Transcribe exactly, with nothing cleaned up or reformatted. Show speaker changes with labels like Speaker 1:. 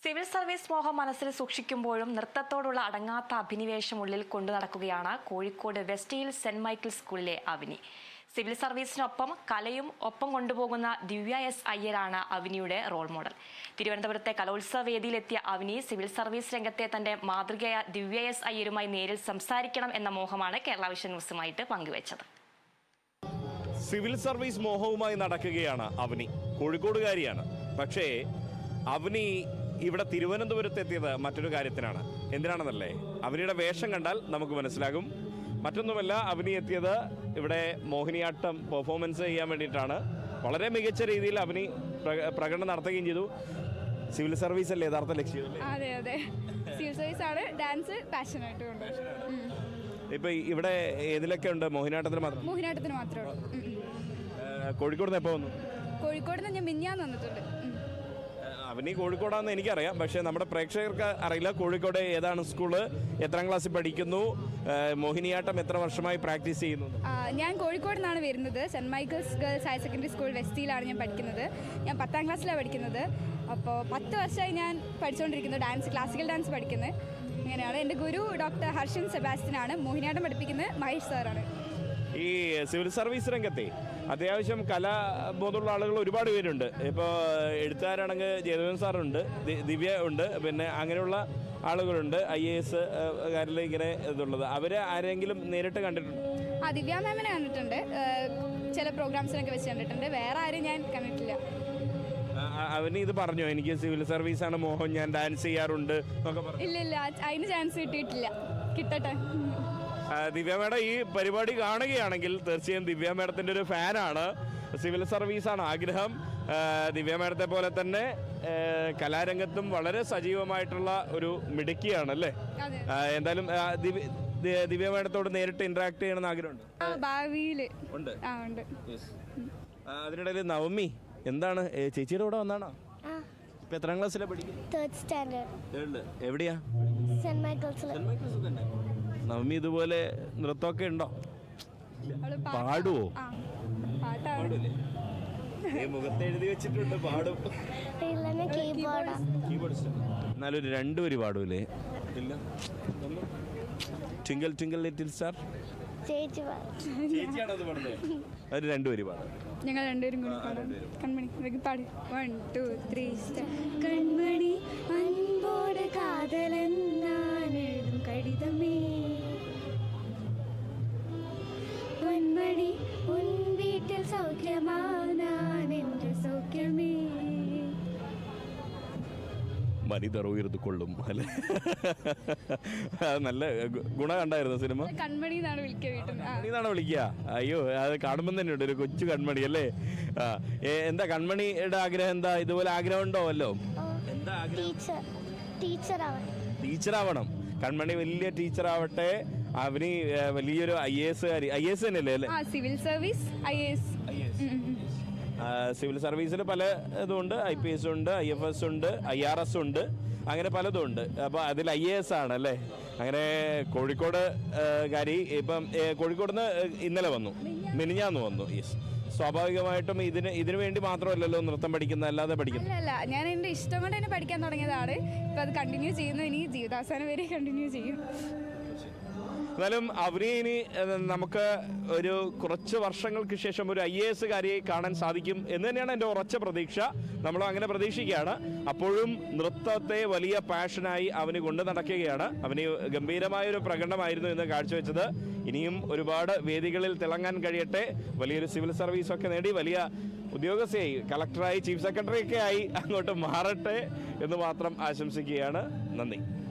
Speaker 1: Civil service മോഹം മനസ്സിൽ സൂക്ഷിക്കുമ്പോഴും നൃത്തത്തോടുള്ള അടങ്ങാത്ത അഭിനിവേശം ഉള്ളിൽ കൊണ്ടു നടക്കുകയാണ് Kozhikode west hill saint Michael സ്കൂളിലെ അവിനി. സിവിൽ സർവീസിനൊപ്പം കലയും ഒപ്പം കൊണ്ടുപോകുന്ന ദിവ്യ എസ് അയ്യരാണ് അവിനിയുടെ റോൾ മോഡൽ. തിരുവനന്തപുരത്തെ കലോത്സവ വേദിയിലെത്തിയ അവിനി സിവിൽ സർവീസ് രംഗത്തെ തന്റെ മാതൃകയായ ദിവ്യ എസ് അയ്യരുമായി നേരിൽ സംസാരിക്കണം എന്ന മോഹമാണ് കേരള വിഷൻ ന്യൂസുമായിട്ട് പങ്കുവച്ചത്.
Speaker 2: സിവിൽ സർവീസ് മോഹവുമായി നടക്കുകയാണ് അവനി. കോഴിക്കോടുകാരിയാണ്. പക്ഷേ അവനി ഇവിടെ തിരുവനന്തപുരത്തെത്തിയത് മറ്റൊരു കാര്യത്തിനാണ്. എന്തിനാണെന്നല്ലേ? അവനിയുടെ വേഷം കണ്ടാൽ നമുക്ക് മനസ്സിലാകും. മറ്റൊന്നുമല്ല, അവനി എത്തിയത് ഇവിടെ മോഹിനിയാട്ടം പെർഫോമൻസ് ചെയ്യാൻ വേണ്ടിയിട്ടാണ്. വളരെ മികച്ച രീതിയിൽ അവനി പ്രകടനം നടത്തുകയും ചെയ്തു. സിവിൽ സർവീസ് അല്ലേ യഥാർത്ഥ ലക്ഷ്യം?
Speaker 3: അതെ അതെ, സിവിൽ സർവീസ് ആണ്. ഡാൻസ് പാഷനായിട്ട് കൊണ്ട്.
Speaker 2: ഇപ്പൊ ഇവിടെ ഏതിലൊക്കെ ഉണ്ട്? മോഹിനിയാട്ടത്തിന് മാത്രം?
Speaker 3: മോഹിനിയാട്ടത്തിന് മാത്രമേ ഉള്ളൂ.
Speaker 2: കോഴിക്കോട് നിന്ന് എപ്പോൾ വന്നു?
Speaker 3: കോഴിക്കോട് നിന്ന് ഞാൻ മിഞ്ഞാന്ന് വന്നിട്ടുണ്ട്.
Speaker 2: അവനി കോഴിക്കോടാന്ന് എനിക്കറിയാം, പക്ഷേ നമ്മുടെ പ്രേക്ഷകർക്ക് അറിയില്ല. കോഴിക്കോട് ഏതാണ് സ്കൂള്, എത്രാം ക്ലാസ്സിൽ പഠിക്കുന്നു, മോഹിനിയാട്ടം എത്ര വർഷമായി പ്രാക്ടീസ് ചെയ്യുന്നു?
Speaker 3: ഞാൻ കോഴിക്കോട് നിന്നാണ് വരുന്നത്. Saint Michael's girls higher secondary school വെസ്റ്റിലാണ് ഞാൻ പഠിക്കുന്നത്. ഞാൻ പത്താം ക്ലാസ്സിലാണ് പഠിക്കുന്നത്. അപ്പോൾ പത്ത് വർഷമായി ഞാൻ പഠിച്ചുകൊണ്ടിരിക്കുന്നു. ഡാൻസ്, ക്ലാസിക്കൽ ഡാൻസ് പഠിക്കുന്നത്. ഇങ്ങനെയാണ്. എൻ്റെ ഗുരു ഡോക്ടർ ഹർഷൻ സെബാസ്റ്റ്യനാണ്. മോഹിനിയാട്ടം പഠിപ്പിക്കുന്നത് മഹേഷ് സാറാണ്.
Speaker 2: ഈ സിവിൽ സർവീസ് രംഗത്തെ അത്യാവശ്യം കലാബോധമുള്ള ആളുകൾ ഒരുപാട് പേരുണ്ട്. ഇപ്പോൾ എഴുത്തുകാരാണെങ്കിൽ ജയദേവൻ സാറുണ്ട്, ദിവ്യ ഉണ്ട്, പിന്നെ അങ്ങനെയുള്ള ആളുകളുണ്ട്. ഐ എ എസ് കാരിൽ ഇങ്ങനെ ഇതുള്ളത്. അവരെ ആരെങ്കിലും നേരിട്ട് കണ്ടിട്ടുണ്ട്?
Speaker 3: ആ, ദിവ്യ മാമിനെ കണ്ടിട്ടുണ്ട്. ചില പ്രോഗ്രാംസിനൊക്കെ വെച്ച് കണ്ടിട്ടുണ്ട്. വേറെ ആരും ഞാൻ കണ്ടിട്ടില്ല.
Speaker 2: അവന് ഇത് പറഞ്ഞോ, എനിക്ക് സിവിൽ സർവീസാണ് മോഹം, ഞാൻ ഡാൻസ് ചെയ്യാറുണ്ട് എന്നൊക്കെ പറഞ്ഞു?
Speaker 3: ഇല്ല ഇല്ല, അതിന് ചാൻസ് കിട്ടിയിട്ടില്ല. കിട്ടട്ടെ.
Speaker 2: ദിവ്യ മേഡം ഈ പരിപാടി കാണുകയാണെങ്കിൽ തീർച്ചയായും ദിവ്യ മേഡത്തിൻ്റെ ഒരു ഫാനാണ്. സിവിൽ സർവീസാണ് ആഗ്രഹം. ദിവ്യ മേഡത്തെ പോലെ തന്നെ കലാരംഗത്തും വളരെ സജീവമായിട്ടുള്ള ഒരു മിടുക്കിയാണ് അല്ലേ? എന്തായാലും ദിവ്യ മേഡത്തോട് നേരിട്ട് ഇന്ററാക്ട് ചെയ്യണമെന്ന് ആഗ്രഹമുണ്ട്.
Speaker 3: ഭാവിയിൽ ഉണ്ട്.
Speaker 2: അതിനിടയിൽ നവമി എന്താണ് ചേച്ചിയുടെ കൂടെ വന്നാണോ? ഇപ്പൊ എത്രാം ക്ലാസ്സിലാണ് പഠിക്കുന്നത്?
Speaker 4: Third standard.
Speaker 2: എവിടെയാ?
Speaker 4: സെന്റ് മൈക്കിൾസിൽ.
Speaker 2: നവമി ഇതുപോലെ നൃത്തമൊക്കെ ഉണ്ടോ? പാടുവോ? മുഖത്ത് എഴുതി വെച്ചിട്ടുണ്ട് പാടും. എന്നാലും രണ്ടുപേര് പാടൂലേ? ഇല്ല. ട്വിങ്കിൾ ട്വിങ്കിൾ ലിറ്റിൽ സ്റ്റാർ ചേച്ചിയാണോ അത് പാടുന്നത്? അത് രണ്ടുപേര് പാടും.
Speaker 3: ഞങ്ങൾ രണ്ടുപേരും കൂടി പാടും. കൺമണി പാടി. One two three star. കൺമണി അൻപോട് കാതലെന്നാനെഴുതും കടിതമേ, പൊന്മണി ഉൻ വീട്ടിൽ സൗഖ്യമാനാനെന്റെ സൗഖ്യമേ.
Speaker 2: മനിതർ ഉയർന്നു കൊള്ളും അല്ലേ? നല്ല ഗുണം കണ്ടായിരുന്നു സിനിമ.
Speaker 3: കൺമണി എന്നാണ് വിളിക്കുക.
Speaker 2: വിളിക്കുക അയ്യോ, അത് കാണുമ്പോൾ തന്നെ ഉണ്ട് ഒരു കൊച്ചു കൺമണി അല്ലേ? ആ, എന്താ കൺമണിയുടെ ആഗ്രഹം? എന്താ ഇതുപോലെ ആഗ്രഹം ഉണ്ടോ വല്ലോ? എന്താ ടീച്ചറാവണം. കൺമണി വലിയ ടീച്ചർ ആവട്ടെ. അവന് വലിയൊരു ഐ എ എസ് കാരി. ഐ എസ് തന്നെയല്ലേ അല്ലേ?
Speaker 3: Civil service I A S.
Speaker 2: Civil സർവീസിൽ പല ഇതുണ്ട്. ഐ പി എസ് ഉണ്ട്, ഐ എഫ് എസ് ഉണ്ട്, ഐ ആർ എസ് ഉണ്ട്, അങ്ങനെ പലതും ഉണ്ട്. അപ്പോൾ അതിൽ ഐ എ എസ് ആണ് അല്ലേ? അങ്ങനെ കോഴിക്കോട് കാരി ഇപ്പം കോഴിക്കോട് നിന്ന് ഇന്നലെ വന്നു, മിനിഞ്ഞാന്ന് വന്നു. യെസ്, സ്വാഭാവികമായിട്ടും ഇതിന് ഇതിനു വേണ്ടി മാത്രമല്ലല്ലോ നൃത്തം പഠിക്കുന്നത്, അല്ലാതെ പഠിക്കുന്നത്
Speaker 3: അല്ല. ഞാൻ എൻ്റെ ഇഷ്ടം കൊണ്ട് തന്നെ പഠിക്കാൻ തുടങ്ങിയതാണ്. ഇപ്പം അത് കണ്ടിന്യൂ ചെയ്യുന്നു. ഇനി ജീവിതാവസാനം വരെ കണ്ടിന്യൂ ചെയ്യും.
Speaker 2: എന്നാലും അവരെ ഇനി നമുക്ക് ഒരു കുറച്ച് വർഷങ്ങൾക്ക് ശേഷം ഒരു ഐ എ എസ് കാരിയെ കാണാൻ സാധിക്കും എന്ന് തന്നെയാണ് എൻ്റെ ഉറച്ച പ്രതീക്ഷ. നമ്മൾ അങ്ങനെ പ്രതീക്ഷിക്കുകയാണ്. അപ്പോഴും നൃത്തത്തെ വലിയ പാഷനായി അവന് കൊണ്ടു നടക്കുകയാണ്. അവന് ഗംഭീരമായൊരു പ്രകടനമായിരുന്നു ഇന്ന് കാഴ്ചവെച്ചത്. ഇനിയും ഒരുപാട് വേദികളിൽ തിളങ്ങാൻ കഴിയട്ടെ. വലിയൊരു സിവിൽ സർവീസൊക്കെ നേടി വലിയ ഉദ്യോഗസ്ഥയായി, കളക്ടറായി, ചീഫ് സെക്രട്ടറി ഒക്കെ ആയി അങ്ങോട്ട് മാറട്ടെ എന്ന് മാത്രം ആശംസിക്കുകയാണ്. നന്ദി.